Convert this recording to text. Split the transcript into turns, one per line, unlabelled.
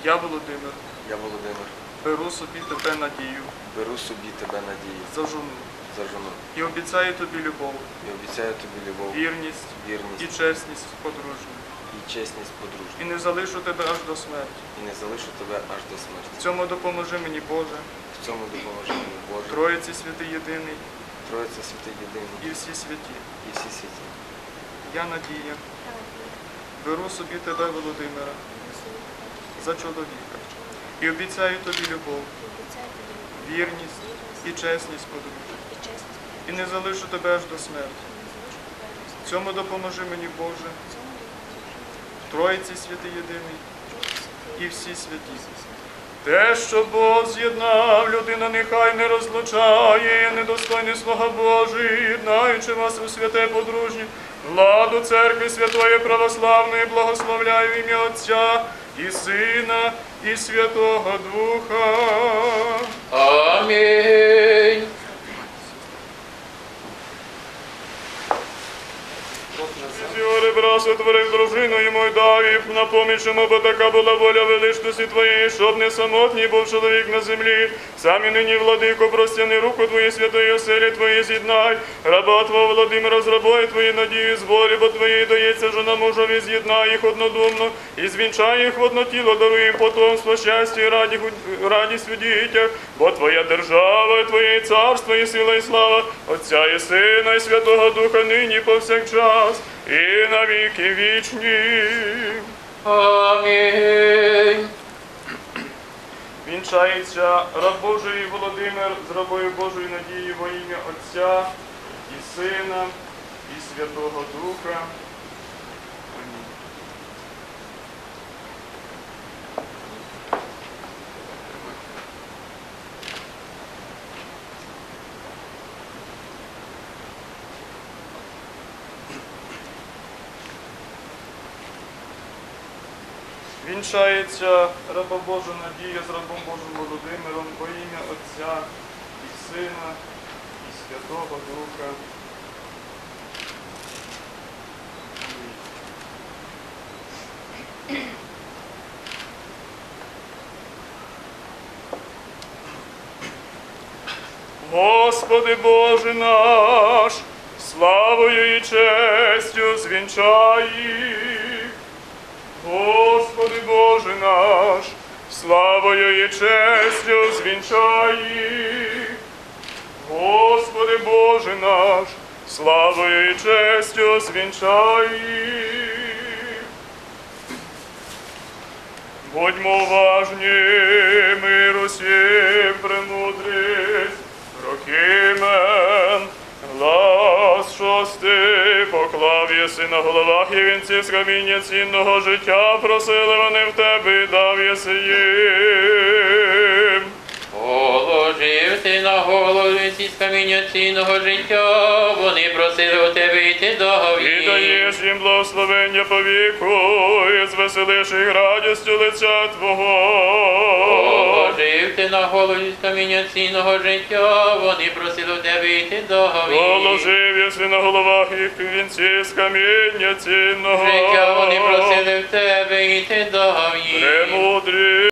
Я, Володимир,
Я, Володимир,
беру собі тебе надію,
беру собі тебе надію
за жону
за жону
і обіцяю тобі любов,
і обіцяю тобі любов,
вірність і
вірність
чесність подружню.
і чесність подружню.
І не залишу тебе аж до смерті.
І не залишу тебе аж до смерті.
В цьому допоможи мені, Боже,
В цьому допоможи мені Боже,
Троїці святий єдиний
Троїця святий єдиний
і всі святі.
і всі святі.
Я, Надія, беру собі тебе, Володимира, за чоловіка і обіцяю тобі любов, вірність і чесність подружжя. І не залишу тебе аж до смерті. В цьому допоможи мені, Боже, Троїці святий єдиний і всі святі. Те, що Бог з'єднав, людина нехай не розлучає, недостойний слуга Божий, єднаючи вас у святе подружнє, владу церкви святої православної, благословляю в ім'я Отця і Сина, і Святого Духа.
Амінь.
Сьогодні брат сотворив дружину йому й дав їх на поміч йому, бо така була воля величності Твоєї, щоб не самотній був чоловік на землі. Самі нині, владико, простяни руку Твої святої оселі Твої з'єднай. Раба Твого Володимира з рабою Твої надію зборі, бо Твоєї дається жона мужові, з'єднай їх однодумно і звінчай їх в одно тіло, даруй їм потомство, щастя і радість у дітях, бо Твоя держава, і Твоє царство, і сила, і слава Отця і Сина, і Святого Духа, нині повсякчас, і на віки вічні.
Амінь.
Вінчається раб Божий Володимир з рабою Божою Надією во ім'я Отця і Сина, і Святого Духа. Амінь. Вінчається раба Божа Надія з рабом Божим Володимиром во ім'я Отця і Сина, і Святого Духа. Амінь. Господи Боже наш, славою і честю звінчай їх. Господи Боже наш, славою і честю звінчай їх. Господи Боже наш, славою і честю звінчай їх. Будьмо уважні, миру сім, премудрість, Прокимен, глас шостий, поклав єси на головах і вінців з каміння цінного життя, просили вони в тебе і дав єси їм.
Положив ти на голову вінці з каміння цінного життя, вони просили у тебе йти до
І
гові.
даєш їм благословення по віку, і звеселиш їх радістю лиця Твого.
Положив ти на голову з каміння цінного життя, вони просили у тебе йти до гові.
Положив єси на головах їх вінці з каміння цінного
Життя вони просили в тебе йти до гові.
Премудрі.